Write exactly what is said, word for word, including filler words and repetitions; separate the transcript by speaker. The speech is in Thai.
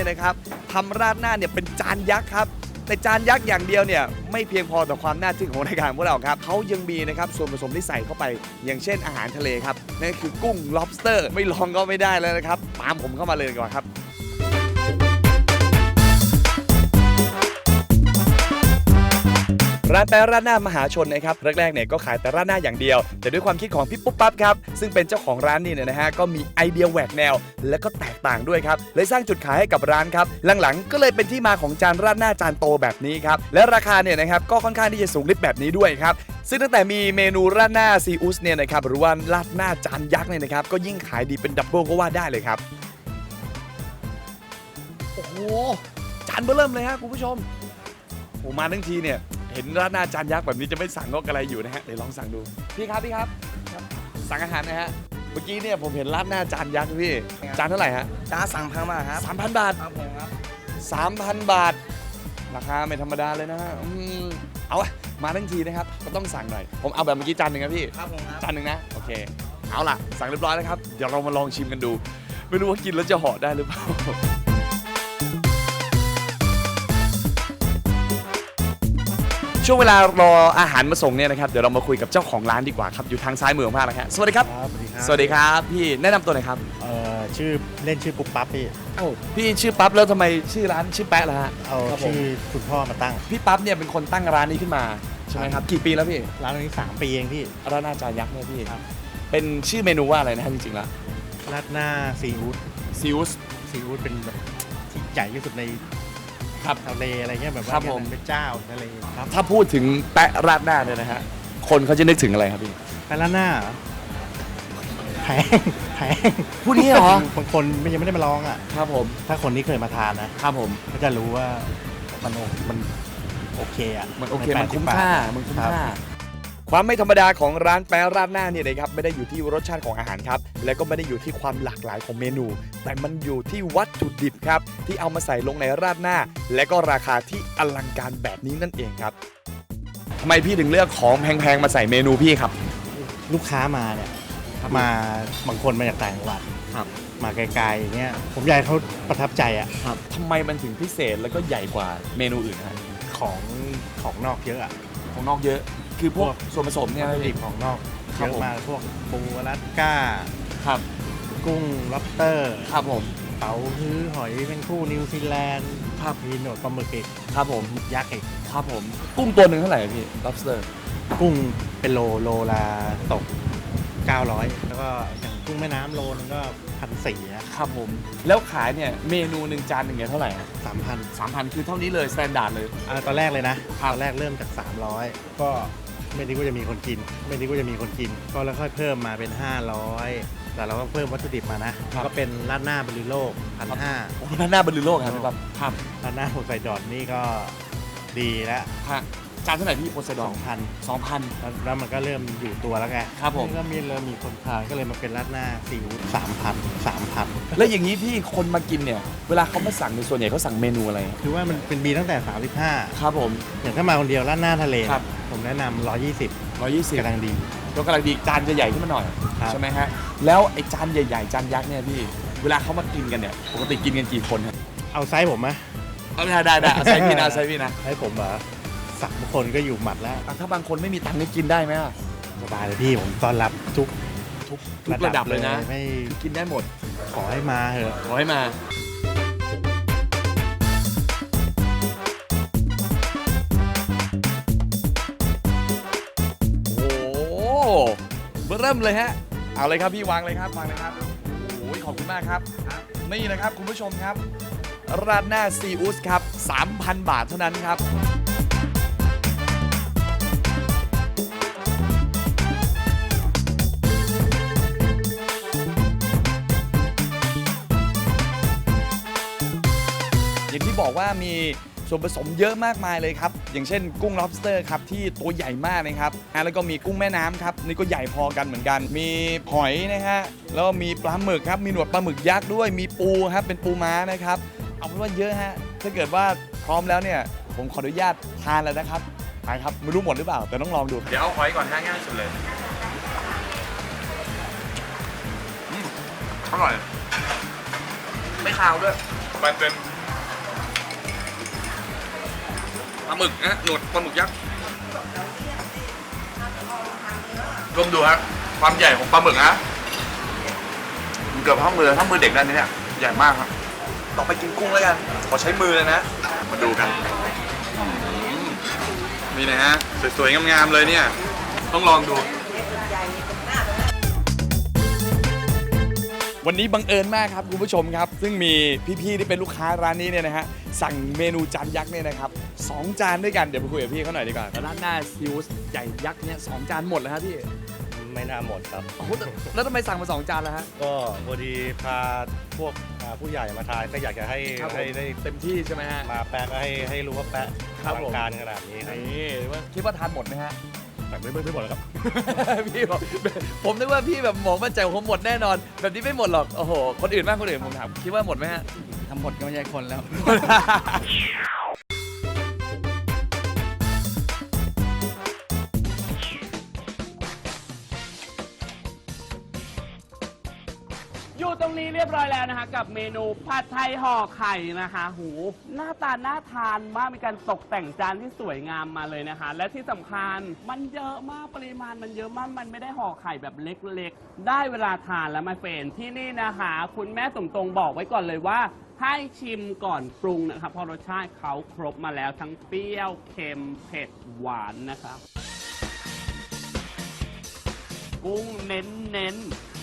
Speaker 1: เนี่ยนะครับทำราดหน้าเนี่ยเป็นจานยักษ์ครับแต่จานยักษ์อย่างเดียวเนี่ยไม่เพียงพอต่อความน่าทึ่งของรายการพวกเราครับเขายังมีนะครับส่วนผสมที่ใส่เข้าไปอย่างเช่นอาหารทะเลครับนั่นคือกุ้ง lobster ไม่ลองก็ไม่ได้แล้วนะครับตามผมเข้ามาเลยดีกว่าครับร้านแป๊ะราดหน้ามหาชนนะครับแรกๆเนี่ยก็ขายแต่ราดหน้าอย่างเดียวแต่ด้วยความคิดของพี่ปุ๊บปั๊บครับซึ่งเป็นเจ้าของร้านนี่เนี่ยนะฮะก็มีไอเดียแหวกแนวและก็แตกต่างด้วยครับเลยสร้างจุดขายให้กับร้านครับหลังๆก็เลยเป็นที่มาของจานราดหน้าจานโตแบบนี้ครับและราคาเนี่ยนะครับก็ค่อนข้างที่จะสูงลิบแบบนี้ด้วยครับซึ่งตั้งแต่มีเมนูราดหน้าซีอุสเนี่ยนะครับหรือว่าราดหน้าจานยักษ์เนี่ยนะครับก็ยิ่งขายดีเป็นดับเบิลก็ว่าได้เลยครับโอ้โหจานเบอร์เริ่มเลยฮะคุณผู้ชมผมมาทั้งทีเนี่ยเห็นราดหน้าจานยักษ์แบบนี้จะไม่สั่งก็อะไรอยู่นะฮะเดี๋ยวลองสั่งดูพี่ครับพี่ครับสั่งอาหารนะฮะเมื่อกี้เนี่ยผมเห็นราดหน้าจานยักษ์พี่จานเท่าไหร่ฮะ
Speaker 2: จ้าสั่งพังมาครับ
Speaker 1: สามพันบาท
Speaker 2: ครับผมครับ
Speaker 1: สามพันบาทราคาไม่ธรรมดาเลยนะฮะอืมเอาอะมาทั้งทีนะครับก็ต้องสั่งหน่อยผมเอาแบบเมื่อกี้จานหนึ่งครับพี่
Speaker 2: ครับผมครับ
Speaker 1: จานหนึ่งนะโอเคเอาล่ะสั่งเรียบร้อยแล้วครับเดี๋ยวเรามาลองชิมกันดูไม่รู้ว่ากินแล้วจะห่อได้หรือเปล่าช่วงเวลารออาหารมาส่งเนี่ยนะครับเดี๋ยวเรามาคุยกับเจ้าของร้านดีกว่าครับอยู่ทางซ้ายมือของภาคนะฮะสวัสดีครับ
Speaker 2: สวัสดีครับ
Speaker 1: สวัสดีครับพี่แนะนำตัวหน่อยครับ
Speaker 2: เอ่อชื่อเล่นชื่อปุ๊บปั๊บพี่
Speaker 1: เอ้าพี่ชื่อปั๊บแล้วทำไมชื่อร้านชื่อแป๊ะล่ะฮะ
Speaker 2: เอา
Speaker 1: ครับผม
Speaker 2: ชื่อคุณพ่อมาตั้ง
Speaker 1: พี่ปั๊บเนี่ยเป็นคนตั้งร้านนี้ขึ้นมาใช่ไหมครับกี่ปีแล้วพี่
Speaker 2: ร้านนี้สามปีเองพี่
Speaker 1: ร้านหน้าจานยักษ์เนี่ยพี่
Speaker 2: ครับ
Speaker 1: เป็นชื่อเมนูว่าอะไรนะฮะจริงๆแล้ว
Speaker 2: ราดหน้าซีอูด
Speaker 1: ซิอุส
Speaker 2: ซีอูดเป็นแบบที่ใหญ่ที่สุดใน
Speaker 1: ครับ
Speaker 2: ทะเลอะไรเงี้ยแบบ
Speaker 1: ครั
Speaker 2: ว่า
Speaker 1: บผม
Speaker 2: เป็นเจ้าทะเลครับ
Speaker 1: ถ้าพูดถึงแปะราดหน้าเนี่ยนะฮะคนเขาจะนึกถึงอะไรครับพี่
Speaker 2: ไปราดหน้าเหรอแพงแพง
Speaker 1: พูดนี้เหรอ
Speaker 2: บางคนไม่ยังไม่ได้มาลองอ่ะ
Speaker 1: ครับผม
Speaker 2: ถ้าคนที่เคยมาทานนะครับ
Speaker 1: ผม
Speaker 2: ก็จะรู้ว่ามันโอมันโอเคอ่ะ
Speaker 1: มันโอเค
Speaker 2: ใแป
Speaker 1: มัน
Speaker 2: ดสิบ
Speaker 1: คุ้ม
Speaker 2: บท
Speaker 1: ค่ามันคุ้ม
Speaker 2: รับ
Speaker 1: ค่าความไม่ธรรมดาของร้านแปะราดหน้าเนี่ยนะครับไม่ได้อยู่ที่รสชาติของอาหารครับและก็ไม่ได้อยู่ที่ความหลากหลายของเมนู แต่มันอยู่ที่วัตถุดิบครับที่เอามาใส่ลงในราดหน้า และก็ราคาที่อลังการแบบนี้นั่นเองครับทำไมพี่ถึงเลือกของแพงๆมาใส่เมนูพี่ครับ
Speaker 2: ลูกค้ามาเนี่ยมาบางคนมาจากต่างจังหวัด
Speaker 1: ครับ
Speaker 2: มาไกลๆอย่างเงี้ยผมอยากให้เขาประทับใจอ่ะ
Speaker 1: ครับทำไมมันถึงพิเศษแล้วก็ใหญ่กว่าเมนูอื่นฮะ
Speaker 2: ของของนอกเยอะอะ
Speaker 1: ของนอกเยอะ คือพวกส่วนผสมเนี่ย
Speaker 2: วัตถุดิ
Speaker 1: พี่
Speaker 2: บของนอก
Speaker 1: ค
Speaker 2: เย
Speaker 1: รับ
Speaker 2: อะ
Speaker 1: ผม
Speaker 2: มากพวกปูอลาสก้า
Speaker 1: ครับ
Speaker 2: กุ้งล็อบสเตอร์
Speaker 1: ครับผม
Speaker 2: เป๋าฮื้อหอยแมงคู่นิวซีแลนด์
Speaker 1: ครับ
Speaker 2: มีหนวดปลาหมึกอีก
Speaker 1: ครับผม
Speaker 2: หมึกยักษ์อีก
Speaker 1: ครับผมกุ้งตัวหนึ่งเท่าไหร่พี่ lobster
Speaker 2: กุ้งเป็นโลโลละตกเก้าร้อยแล้วก็อย่างกุ้งแม่น้ำโลนึงก็พันสี่อะ
Speaker 1: ครับผมแล้วขายเนี่ยเมนูหนึ่งจานหนึ่งเนี่ยเท่าไหร่
Speaker 2: สามพัน
Speaker 1: สามพันคือเท่านี้เลยสแตนดาร์ดเลย
Speaker 2: อ่าตอนแรกเลยนะตอนแรกเริ่มจากสามร้อยก็ไม่นึกว่าจะมีคนกิน ไม่นึกว่าจะมีคนกิน ก็แล้วค่อยเพิ่มมาเป็นห้าร้อยแต่เราก็เพิ่มวัตถุดิบมานะ ก็เป็นราดหน้าบริโลกพันห้า
Speaker 1: โอ้หน้าหน้าบรรลือโลกครับพี่ปั๊บครับ
Speaker 2: ราดหน้าโพไซดอนนี่ก็ดีแล้ว
Speaker 1: ฮะจานเท่าไหร่พี่โพไซด
Speaker 2: ส
Speaker 1: อ
Speaker 2: อน งพัน
Speaker 1: สองพัน
Speaker 2: แล้วมันก็เริ่มอยู่ตัวแล้วไง
Speaker 1: ครับผม
Speaker 2: ก็มีเริ่มมีคนทานก็เลยมาเป็นราดหน้าซีอิ๊วสามพันสามพัน
Speaker 1: แล้วอย่างนี้พี่คนมากินเนี่ยเวลาเขามาสั่งในยส่วนใหญ่เขาสั่งเมนูอะไร
Speaker 2: คือว่ามันเป็นบีตั้งแต่สามสิบห้า
Speaker 1: ครับผม
Speaker 2: อย่างถ้ามาคนเดียวราดหน้าทะเล
Speaker 1: ครับ
Speaker 2: ผมแนะนำหนึ่งร้อยยี่สิบ
Speaker 1: ร้อยยี่สิบ
Speaker 2: กำลังดี
Speaker 1: ก็กำลังดีจานจะใหญ่ขึ้นมาหน่อย
Speaker 2: ครับ
Speaker 1: ใช่ไหมฮะแล้วไอ้จานใหญ่ๆจานยักษ์เนี่ยพี่เวลาเขามากินกันเนี่ยปกติกินกันกี่คนฮะ
Speaker 2: เอาไซส์ผมไหม
Speaker 1: เอาได้ได้ได้เอาใส่พี่นะใส่พี่นะ
Speaker 2: ไซส์ผมเหรอสักบางคนก็อยู่หมัดแล้ว
Speaker 1: อ่ะถ้าบางคนไม่มีตังค์นี่กินได้ไหมอ่ะ
Speaker 2: สบายเลยพี่ผมต้อนรับทุก
Speaker 1: ทุกทุกระดับเลยนะ
Speaker 2: ไม่
Speaker 1: กินได้หมด
Speaker 2: ขอให้มาเถอะ
Speaker 1: ขอให้มาโอ้โหเริ่มเลยฮะเอาเลยครับพี่วางเลยครับวางเลยครับโอ้ยขอบคุณมากครับนี่นะครับคุณผู้ชมครับราดหน้าซีอุสครับ สามพัน บาทเท่านั้นครับอย่างที่บอกว่ามีส่วนผสมเยอะมากมายเลยครับอย่างเช่นกุ้ง lobster ครับที่ตัวใหญ่มากนะครับอ่ะแล้วก็มีกุ้งแม่น้ำครับนี่ก็ใหญ่พอกันเหมือนกัน มีหอยนะฮะแล้วก็มีปลาหมึกครับมีหนวดปลาหมึกยักษ์ด้วยมีปูครับเป็นปูม้านะครับเอาเป็นว่าเยอะฮะถ้าเกิดว่าพร้อมแล้วเนี่ยผมขออนุญาตทานแล้วนะครับไปครับไม่รู้หมดหรือเปล่าแต่ต้องลองดูเดี๋ยวเอาหอยก่อนง่ายสุดเลยอร่อยไม่คาวด้วยมันเป็นปลาหมึกนะหนวดปลาหมึกยักษ์รวมดูฮะความใหญ่ของปลาหมึกฮะเกือบเท่ามือเท่ามือเด็กนั่นนี่เนี่ยใหญ่มากครับต่อไปกินกุ้งแล้วกันขอใช้มือเลยนะมาดูกันนี่นะฮะสวยๆงามๆเลยเนี่ยต้องลองดูวันนี้บังเอิญมากครับคุณผู้ชมครับซึ่งมีพี่ๆที่เป็นลูกค้าร้านนี้เนี่ยนะฮะสั่งเมนูจานยักษ์เนี่ยนะครับสองจานด้วยกันเดี๋ยวไปคุยกับพี่เขาหน่อยดีกว่าร้านหน้าซิวส์ใหญ่ยักษ์เนี่ยสองจานหมดแล้วครับพี่
Speaker 2: ไม่น่าหมดครับ
Speaker 1: โอ้โหแต่แล้วทำไมสั่งมาสองจานแล้วฮะ
Speaker 2: ก็พอดีพาพวกอ่าผู้ใหญ่มาทานก็อยากจะให้
Speaker 1: ครับผม
Speaker 2: ให้ได้
Speaker 1: เต็มที่ใช่ไหมฮะ
Speaker 2: มาแปะก็ให้ให้รู้ว่าแปะ
Speaker 1: ครับ
Speaker 2: อลั
Speaker 1: ผม
Speaker 2: งการขนาดนี้ครับ
Speaker 1: นี่ว่าคิดว่าทานหมดไหมฮะ
Speaker 2: แต่ไม่ไม่ไม่หมดแล้วครับ
Speaker 1: พี่บอกผมนึกว่าพี่แบบหมองมั่นใจผมหมดแน่นอน แบบนี้ไม่หมดหรอกโอ้โหคนอื่นบ้างคนอื่นผมถามคิดว่าหมดไหมฮะ
Speaker 3: ทำหมดก็ไม่ใช่คนแล้ว
Speaker 4: อยู่ตรงนี้เรียบร้อยแล้วนะคะกับเมนูผัดไทยห่อไข่นะคะหูหน้าตาน่าทานมากมีการตกแต่งจานที่สวยงามมาเลยนะคะ และที่สำคัญมันเยอะมากปริมาณมันเยอะมากมันไม่ได้ห่อไข่แบบเล็กๆได้เวลาทานแล้วมาเฟรนที่นี่นะคะคุณแม่สมตรงบอกไว้ก่อนเลยว่าให้ชิมก่อนปรุงนะครับเพราะรสชาติเขาครบมาแล้วทั้งเปรี้ยวเค็มเผ็ดหวานนะครับกุ้งเน้นๆ